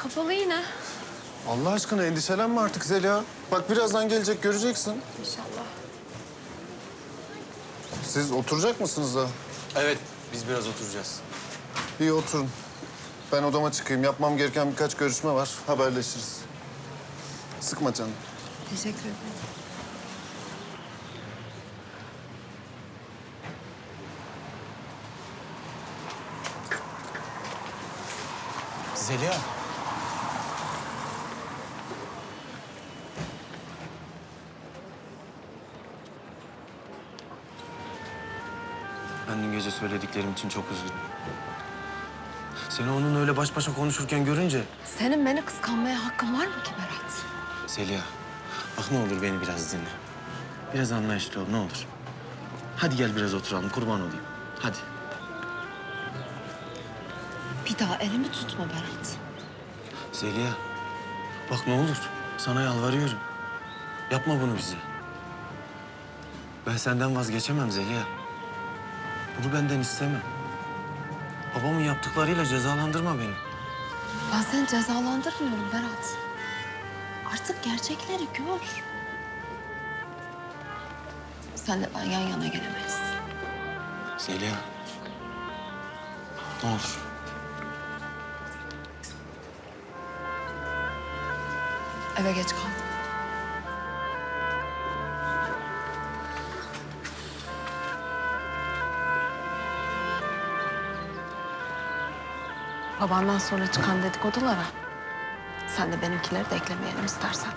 Kapalı yine. Allah aşkına endişelenme artık Zeliha. Bak birazdan gelecek, göreceksin. İnşallah. Siz oturacak mısınız daha? Evet, biz biraz oturacağız. İyi oturun. Ben odama çıkayım. Yapmam gereken birkaç görüşme var. Haberleşiriz. Sıkma canım. Teşekkür ederim. Zeliha. Ben dün gece söylediklerim için çok üzgünüm. Seni onunla öyle baş başa konuşurken görünce... Senin beni kıskanmaya hakkın var mı ki Berat? Zeliha, bak ne olur beni biraz dinle. Biraz anlayışlı ol, ne olur. Hadi gel biraz oturalım, kurban olayım. Hadi. Bir daha elimi tutma Berat. Zeliha, bak ne olur. Sana yalvarıyorum. Yapma bunu bize. Ben senden vazgeçemem Zeliha. Bunu benden isteme. Babamın yaptıklarıyla cezalandırma beni. Ben seni cezalandırmıyorum Berat. Artık gerçekleri gör. Senle ben yan yana gelemeyiz. Zeliha. Ne olur. Eve geç kaldım. Babandan sonra çıkan dedikodulara sen de benimkileri de eklemeyelim istersen.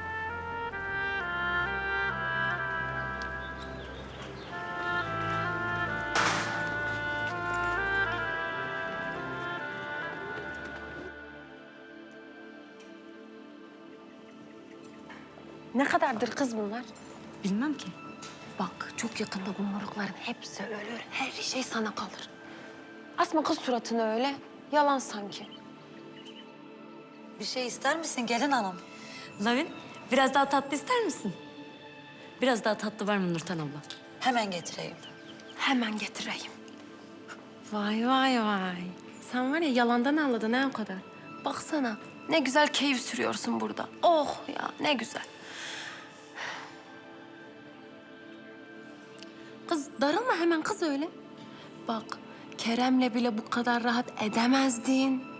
Ne kadardır kız bunlar? Bilmem ki. Bak çok yakında bu morukların hepsi ölür. Her şey sana kalır. Asma kız suratını öyle. Yalan sanki. Bir şey ister misin gelin hanım? Lavin, biraz daha tatlı ister misin? Biraz daha tatlı var mı Nurten abla? Hemen getireyim. Hemen getireyim. Vay vay vay. Sen var ya yalandan anladın ha o kadar. Baksana ne güzel keyif sürüyorsun burada. Oh ya ne güzel. Kız darılma hemen kız öyle. Bak Kerem'le bile bu kadar rahat edemezdin.